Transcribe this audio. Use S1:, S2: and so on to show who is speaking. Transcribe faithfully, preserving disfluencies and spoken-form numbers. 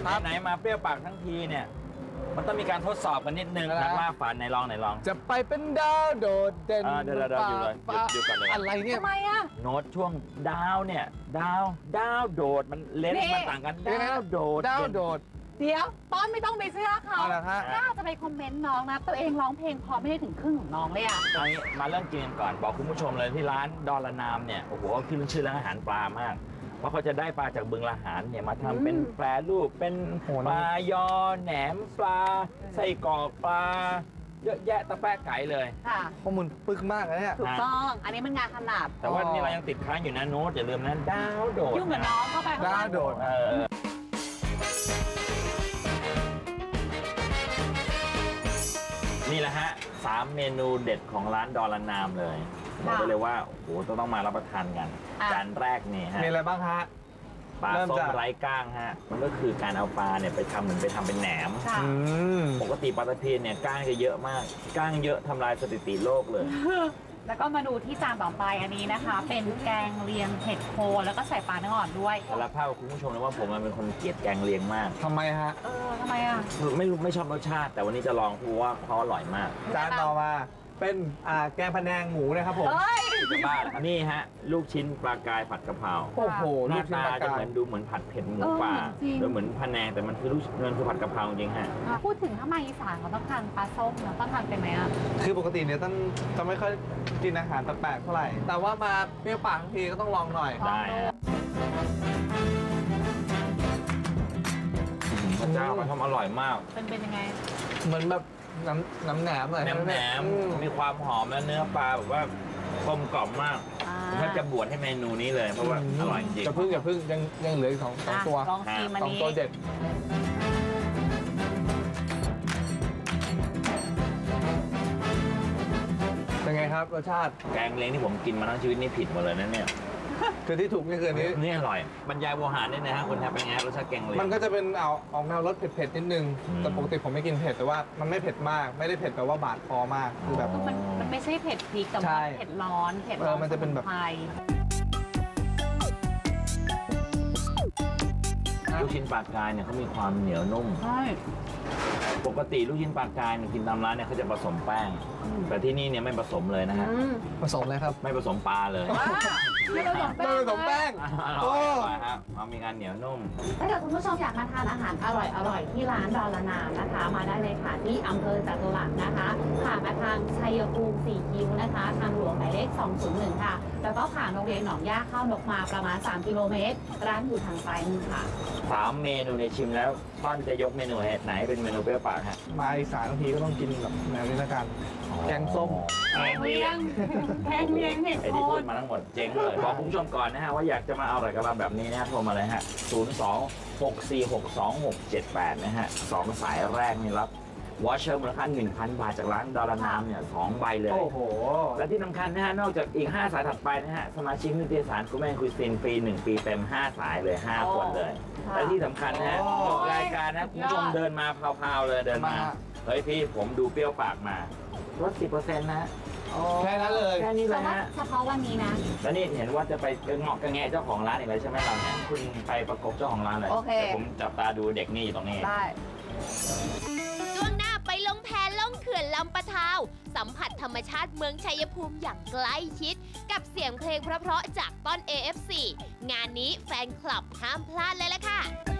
S1: ไหนมาเปรี้ยวปากทั้งทีเนี่ยมันต้องมีการทดสอบกันนิดนึงนักล่าฝันในลองไหนลอง
S2: จะไปเป็นดาวโดดเด่น
S1: เดี๋ยวเดี๋ยวอยู่เลยหยุดก่อนเลย
S2: อะไรเนี่ย
S3: ทำไมอะ
S1: โน้ตช่วงดาวเนี่ยดาวดาวโดดมันเล่นมันต่างกันดาวโดด
S2: ดาวโดด
S3: เดี๋ยวต้นไม่ต้องไปเชื่อเขาน่าจะไปคอมเมนต์น้องนะตัวเองร้องเพลงพอไม่ได้ถึงครึ่งของน้องเลยอะ
S1: ตอนนี้มาเริ่มกินกันก่อนบอกคุณผู้ชมเลยที่ร้านดอลนามเนี่ยโอ้โหขึ้นชื่อเรื่องอาหารปลามากเพราะเขาจะได้ปลาจากบึงละหารเนี่ยมาทำเป็นแปรรูปเป็นปลายอแหนมปลาไส้กรอกปลาเยอะแยะตะแปะไก่เลย
S3: ค่ะ
S2: ข้อมูลปึกมากเลยเนี่ย
S3: ถูกต้องอันนี้มันงานขนาด
S1: แต่ว่านี่เรายังติดค้างอยู่นะโน้ตอย่าลืมนะดาวโดด
S3: ยุ่งกับน้องเข้าไป
S2: ดาวโดด
S1: นี่แหละฮะสามเมนูเด็ดของร้านดอลนามเลยบอกได้เลยว่าโอ้โหต้องมารับประทานกันจานแรกนี่ฮะ
S2: มีอะไรบ้างฮะ
S1: ปลาส้มไร้ก้างฮะมันก็คือการเอาปลาเนี่ยไปทำเหมือนไปทำเป็นแหนมปกติปลาตะเพียนเนี่ยก้างจะเยอะมากก้างเยอะทำลายสถิติโลกเลย
S3: แล้วก็มาดูที่จานต่อไปอันนี้นะคะเป็นแกงเลียงเห็ดโคนแล้วก็ใส่ปลาเนื้ออ่อนด้วย
S1: สารภาพคุณผู้ชมเลยว่าผมเป็นคนเกลียดแกงเลียงมาก
S2: ทำไมฮะ
S3: เออทำไมอ่ะ
S1: ไม่รู้ไม่ชอบรสชาติแต่วันนี้จะลองเพราะว่าเขาอร่อยมาก
S2: จานต่อมาเป็นแกงพะแนงหมูนะครับผม
S1: จะบ้านี่ฮะลูกชิ้นปลากายผัดกะเพรา
S2: โอ้โห
S1: หน้าตาจะเหมือนดูเหมือนผัดเผ็ดหมูป่าหรือเหมือนพะแนงแต่มันคือลูกมันคือผัดกะเพราจริงฮะ
S3: พูดถึงถ้ามาอีสานเราต้องทานปลาส้มเราต้องทานเป็นไหมอ่ะ
S2: คือปกติเนี่ยต้องจะไม่ค่อยกินอาหารแปลกๆเท่าไหร่แต่ว่ามาเปรี้ยวปากทีก็ต้องลองหน่อย
S1: ได้พระเจ้ามันทำอร่อยมาก
S3: เป็นเป็นยังไง
S2: เหมือนแบบน้ำน้ำแหนมเลย
S1: น้ำแหนมมีความหอมและเนื้อปลาแบบว่ากลมกล่อมมากถ้าจะบวชให้เมนูนี้เลยเพราะว่าอร่อยจริง
S2: จะพึ่งอย่าพึ่งยังยังเหลืออีกสองสองตัว
S3: ลองชิมอันนี้
S2: สองตัวเด็ดเป็นไงครับรสชาติ
S1: แกงเล้งที่ผมกินมาทั้งชีวิตนี่ผิดหมดเลยนะเนี่ย
S2: คือที่ถูกนี่คือนี้
S1: นี่อร่อยบรรยายโวหารเนี่ยนะฮะคนทำเป็นไงรสชาติแกงเล้ง
S2: มันก็จะเป็นเอาออกแนวรสเผ็ดๆนิดนึงแต่ปกติผมไม่กินเผ็ดแต่ว่ามันไม่เผ็ดมากไม่ได้เผ็ดแปลว่าบาดคอมากคือแบบ
S3: มันมันไม่ใช่เผ็ดพริกแต่ว่าเผ็ดร้อนเผ็ดร้อน
S2: มันจะเป็นแบบ
S1: ลูกชิ้นปลากายเนี่ยเขามีความเหนียวนุ่ม
S3: ใช่
S1: ปกติลูกชิ้นปลากายเนี่ยกินตามร้านเนี่ยเขาจะผสมแป้งแต่ที่นี่เนี่ยไม่ผสมเลยนะฮะ
S2: ผสมเลยครับ
S1: ไม่ผสมปลาเลย
S3: ไม่ผสมแป้ง
S2: ไม่ผสมแป้ง
S1: โอ้ยครับมันมีการเหนียวนุ่ม
S3: ถ้าเกิดคุณผู้ชมอยากมาทานอาหารอร่อยอร่อยที่ร้านดอลนามนะคะมาได้เลยค่ะที่อำเภอจตุรัสนะคะผ่านมาทางชัยภูมิสี่คิ้วนะคะทางหลวงหมายเลขสองศูนย์หนึ่งค่ะแล้วก็ผ่านโรงเรียนหนองย่าเข้านกมาประมาณสามกิโลเมตรร้านอยู่ทางซ้ายมือค่ะ
S1: สามเมนูในชิมแล้วต้นจะยกเมนูไหนเป็นเมนูเปรี้ยวปากฮะ
S2: มาอีสานบางทีก็ต้องกินแบบแนวนี้ละกันแกงส้ม
S3: แกงเลียงแกงเลียงเห็ดโคน
S1: ไอ้ที่พูดมาทั้งหมดเจ๊งเลยบอกคุณผู้ชมก่อนนะฮะว่าอยากจะมาเอาอะไรกับเราแบบนี้นะฮะโทรมาเลยฮะศูนย์ สอง หก สี่ หก สอง หก เจ็ด แปดนะฮะสองสายแรกนี่รับวอชเชอร์มูลค่า หนึ่งพัน บาทจากร้านดอลนามเนี่ยสองใบเลย
S2: โอ้โห
S1: และที่สำคัญนะฮะนอกจากอีกห้าสายถัดไปนะฮะสมาชิกนิตยสารกูแมนคุยซินฟรีหนึ่งปีเต็มห้าสายเลยห้าคนเลยและที่สำคัญนะฮะรายการนะคุณผู้ชมเดินมาพาวๆเลยเดินมาเฮ้ยพี่ผมดูเปรี้ยวปากมาลด สิบเปอร์เซ็นต์ นะ
S2: แค่นั้นเลย
S1: แค่นี้เลยนะ
S3: เฉพาะวันนี้นะ
S1: แล้วนี่เห็นว่าจะไปเงาะกระแงะเจ้าของร้านอีกแล้วใช่ไหมเราเนี่ยคุณไปประกบเจ้าของร้านเลยเดี๋ยวผมจับตาดูเด็กนี่อยู่ตรงนี้
S3: ได้
S4: ช่วงหน้าไปลงแพล่องเขื่อนลำปะทาวสัมผัสธรรมชาติเมืองชัยภูมิอย่างใกล้ชิดกับเสียงเพลงเพราะๆจากต้น เอ เอฟ ซี งานนี้แฟนคลับห้ามพลาดเลยล่ะค่ะ